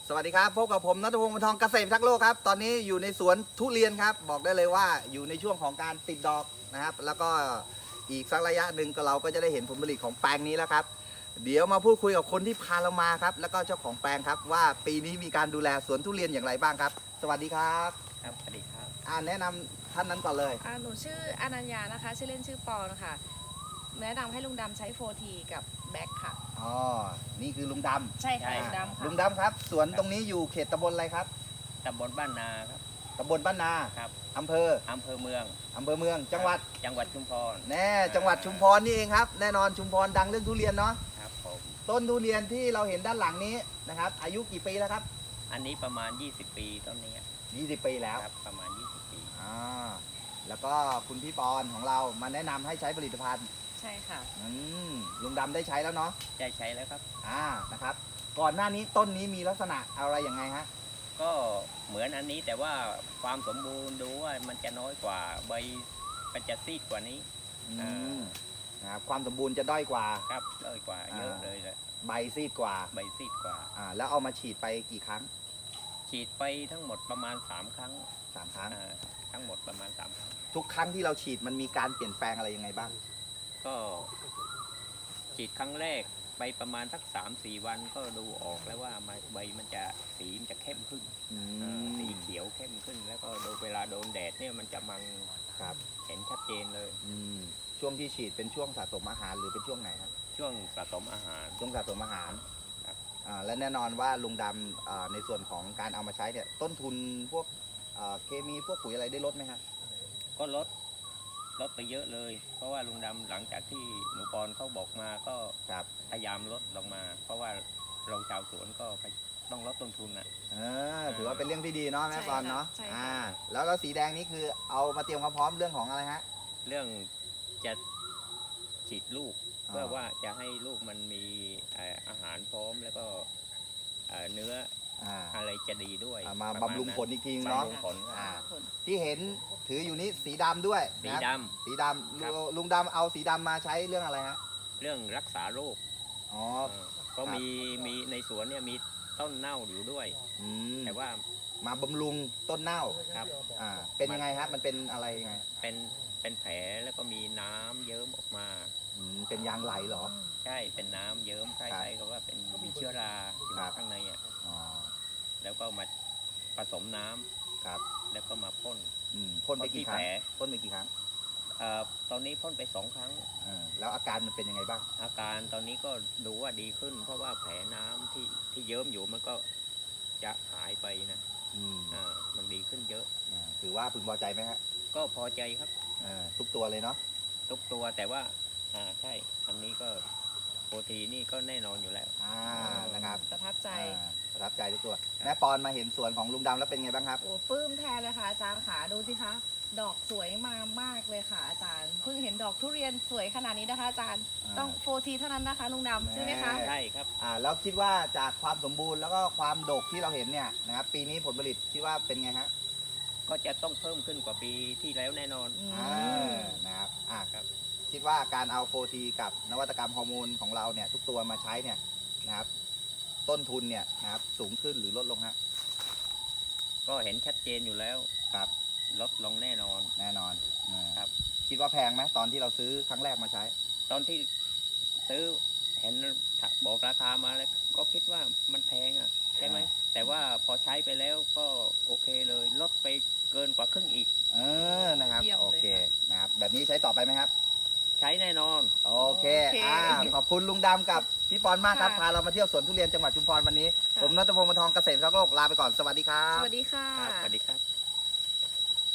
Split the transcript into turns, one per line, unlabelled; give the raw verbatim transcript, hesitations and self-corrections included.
สวัสดีครับพบกับผมณัฐพงศ์ วงศ์ทองเกษตรทักษ์โลกครับตอนนี้อยู่ในสวนทุเรียนครับบอกได้เลยว่าอยู่ในช่วงของการติดดอกนะครับแล้วก็อีกสักระยะหนึ่งก็เราก็จะได้เห็นผลผลิตของแปลงนี้แล้วครับเดี๋ยวมาพูดคุยกับคนที่พาเรามาครับแล้วก็เจ้าของแปลงครับว่าปีนี้มีการดูแลสวนทุเรียนอย่างไรบ้างครับสวัสดีครับ
ครับสวัสดีครับ
อ่าแนะนำท่านนั้นก่อนเลย
อ่าหนูชื่ออนัญญานะคะ ชื่อเล่นชื่อปอนะคะแนะนำให้ลุงดำใช้โฟทีกับแบ็คค่ะ
อ๋อนี่คือลุงดำ
ใช่ค่ะ
ใช่
ลุงดำค่ะ
ลุงดำครับสวนตรงนี้อยู่เขตตำบลอะไรครับ
ตำบลบ้านนาครับ
ตำบลบ้านนา
ครับ
อำเภอ
อำเภอเมือง
อำเภอเมืองจังหวัด
จังหวัดชุมพร
แน่จังหวัดชุมพรนี่เองครับแน่นอนชุมพรดังเรื่องทุเรียนเนาะ
ครับผม
ต้นทุเรียนที่เราเห็นด้านหลังนี้นะครับอายุกี่ปีแล้วครับ
อันนี้ประมาณ ยี่สิบ ปีต้นนี้
ยี่สิบปีแล้ว
ครับประมาณ ยี่สิบ ปี
อ่าแล้วก็คุณพี่ปอนของเรามาแนะนำให้ใช้ผลิตภัณฑ์
ใช่ค่ะ
อืมลุงดำได้ใช้แล้วเนาะ
ได้ใช้แล้วครับ
อ่านะครับก่อนหน้านี้ต้นนี้มีลักษณะอะไรอย่างไงฮะ
ก็เหมือนอันนี้แต่ว่าความสมบูรณ์ดูว่ามันจะน้อยกว่าใบมันจะซีดกว่านี้
อื
อ่า
มนะครับความสมบูรณ์จะด้อยกว่า
ครับน้อยกว่าเยอะเลยแหละ
ใบซีดกว่า
ใบซีดกว่า
อ่าแล้วเอามาฉีดไปกี่ครั้ง
ฉีดไปทั้งหมดประมาณ สาม ครั้ง
สามครั้ง
อ่าทั้งหมดประมาณ สาม ครั้ง
ทุกครั้งที่เราฉีดมันมีการเปลี่ยนแปลงอะไรยังไงบ้าง
ก็ฉีดครั้งแรกไปประมาณสักสามสี่วันก็ดูออกแล้วว่าใบมันจะสีมันจะเข้มขึ้น
อื
อ่าสี
ม
เขียวเข้มขึ้น แล้วก็ดูเวลาโดนแดดเนี่ยมันจะมัง
ครับ
เห็นชัดเจนเลย
อืมช่วงที่ฉีดเป็นช่วงสะสมอาหารหรือเป็นช่วงไหนครับ
ช่วงสะสมอาหาร
ช่วงสะสมอาหาร
ครับ
อ่าและแน่นอนว่าลุงดำอ่าในส่วนของการเอามาใช้เนี่ยต้นทุนพวกอ่าเคมีพวกปุ๋ยอะไรได้ลดไหมฮะ
ก็ลดลดไปเยอะเลย เพราะว่าลุงดำหลังจากที่หนูปอนเขาบอกมาก็
ครับ
พยายามลดลงมา เพราะว่าเราชาวสวนก็ต้องลดต้นทุนอ่ะ
เออถือว่าเป็นเรื่องที่ดีเนาะแม่
ใช่
ปอนเนาะ
ค่ะใช่ค่ะ
อ่าแล้วแล้วสีแดงนี่คือเอามาเตรียมความพร้อมเรื่องของอะไรฮะ
เรื่องจะฉีดลูก
อ่า
เพื่อว่าจะให้ลูกมันมีเอ่ออาหารพร้อมแล้วก็เอ่อเนื้อ
อ่า
อะไรจะดีด้วย
อ่ามา
ประณ
บำรุง
นั้น
ผลอีกทีเนาะ
บำรุงผล
อ่า
ผล
ที่เห็นถืออยู่นี้สีดำด้วย
สี
นะ
ด
สีดำ
ครับ
ลุลุงดำเอาสีดำมาใช้เรื่องอะไรฮะ
ำเรื่องรักษาโรค
อ๋อ
เออก็มีมีในสวนเนี่ยมีต้นเน่าอยู่ด้วย
อืม
แต่ว่า
มาบำรุงต้นเน่า
ครับ
อ่าเป็นยังไงฮะมันเป็นอะไรยังไง
เป็นเป็นแผลแล้วก็มีน้ำเยิ้มออกมา
อืมเป็นยางไหลเหรอ
ใช่เป็นน้ำเยิ้มคล้ายๆกับว่าเป็นมีเชื้อราอยู่
ครับ
ข้างในอ่ะ
อ๋อ
แล้วก็มาผสมน้ำ
ครับ
แล้วก็มาพ่น
อืมพ่นไปกี่ครั้ง
พ่นที่แผล
พ่นไปกี่ครั้ง
เอ่อตอนนี้พ่นไปสองครั้ง
เออแล้วอาการมันเป็นยังไงบ้าง
อาการตอนนี้ก็ดูว่าดีขึ้น เพราะว่าแผลน้ำที่ที่เยิ้มอยู่มันก็จะหายไปนะ
อืม
อ่ามันดีขึ้นเยอะ
อ่าถือว่าพึงพอใจไหมฮะ
ก็พอใจครับ
เออทุกตัวเลยเนาะ
ทุกตัวแต่ว่าอ่าใช่อันนี้ก็โปรตีนนี่ก็แน่นอนอยู่แล้ว
อ่านะครับ
ประทับใจ
อ่าประทับใจทุกตัวแม่ปอนมาเห็นสวนของลุงดำแล้วเป็นไงบ้างครับ
โอ้ปลื้มแทนเลยค่ะอาจารย์ขาดูสิคะ ดอกสวยมามากเลยค่ะอาจารย์ เพิ่งเห็นดอกทุเรียนสวยขนาดนี้นะคะอาจารย์
อ่า
ต้องโฟทีเท่านั้นนะคะลุงดำใช่ไหมคะ
แน่
ใช่ครับ
อ่าแล้วคิดว่าจากความสมบูรณ์แล้วก็ความดกที่เราเห็นเนี่ยนะครับปีนี้ผลผลิตคิดว่าเป็นไงฮะ
ก็จะต้องเพิ่มขึ้นกว่าปีที่แล้วแน่นอน
อื
อ่าม นะครับอ่า
ครับ
คิดว่าการเอาโฟทีกับนวัตกรรมฮอร์โมนของเราเนี่ยทุกตัวมาใช้เนี่ยนะครับต้นทุนเนี่ยนะครับสูงขึ้นหรือลดลงฮะ
ก็เห็นชัดเจนอยู่แล้ว
ครับ
ลดลงแน่นอน
แน่นอนอ่า
ครับ
คิดว่าแพงไหมตอนที่เราซื้อครั้งแรกมาใช้
ตอนที่ซื้อเห็นบอกราคามาแล้วก็คิดว่ามันแพงอ่ะใช่ไหม
อ่า
แต่ว่าพอใช้ไปแล้วก็โอเคเลยลดไปเกินกว่าครึ่งอีก
เออนะครับ
เยี่ยมเลย
โอเค
ค่ะ
นะครับแบบนี้ใช้ต่อไปไหมครับ
ใช้แน่นอน
โอเค
โอเค
อ่าขอบคุณลุงดำกับพี่ปอนมากครับ
ค่ะ
พาเรามาเที่ยวสวนทุเรียนจังหวัดชุมพรวันนี้
ค่ะ
ผมณัฐพงศ์ วงศ์ทองเกษตรทักษ์โลกลาไปก่อนสวัสดีครับ
สวัสดีค่ะ
ครับสวัสดีครับ